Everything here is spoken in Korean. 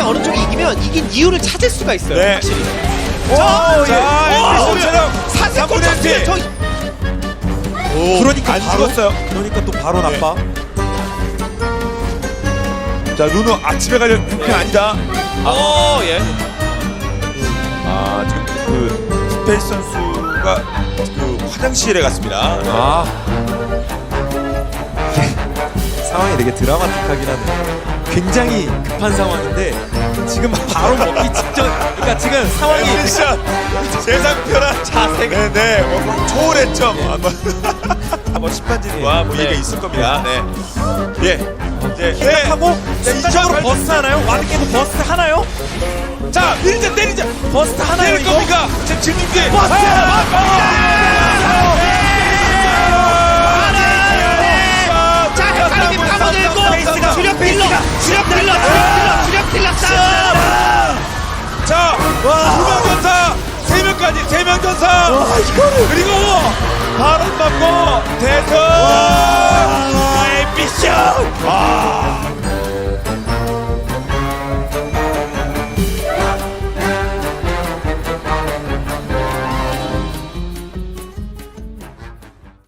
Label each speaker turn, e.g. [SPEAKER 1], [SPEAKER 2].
[SPEAKER 1] 어느 쪽이 이기면 이긴 이유를 찾을 수가 있어요.
[SPEAKER 2] 네.
[SPEAKER 1] 확실히.
[SPEAKER 2] 자,
[SPEAKER 1] 사세골 쳤어요. 저
[SPEAKER 3] 그러니까
[SPEAKER 2] 안
[SPEAKER 3] 바로?
[SPEAKER 2] 죽었어요.
[SPEAKER 3] 그러니까 또 바로
[SPEAKER 2] 네.
[SPEAKER 3] 나빠.
[SPEAKER 2] 자, 누누 아침에 갈 형편 아니다.
[SPEAKER 1] 예.
[SPEAKER 2] 지금 그 스페이스 선수가 그 화장실에 갔습니다.
[SPEAKER 3] 아 상황이 되게 드라마틱하긴 하네. 굉장히 급한 상황인데 지금 바로 먹기 직전. 그러니까 지금 상황이
[SPEAKER 2] 미션 세상 편한
[SPEAKER 1] 자세가.
[SPEAKER 2] 네네 뭐 초월했죠. 뭐 심판진과 뭐 얘기가 있을 겁니다. 네. 예.
[SPEAKER 3] 하고
[SPEAKER 2] 자,
[SPEAKER 3] 순간적으로
[SPEAKER 2] 2008
[SPEAKER 3] 버스 하나요? 와드께도 버스 하나요?
[SPEAKER 2] 자, 때리자.
[SPEAKER 3] 버스 하나요
[SPEAKER 2] 때릴
[SPEAKER 3] 이거?
[SPEAKER 2] 겁니까? 지금 진입기.
[SPEAKER 3] 버스!
[SPEAKER 1] 자, 헷갈림이 파고들고 주력 딜러 싸움.
[SPEAKER 2] 자, 두명 전사, 세 명 전사. 그리고 바람 맞고 대선. 미션.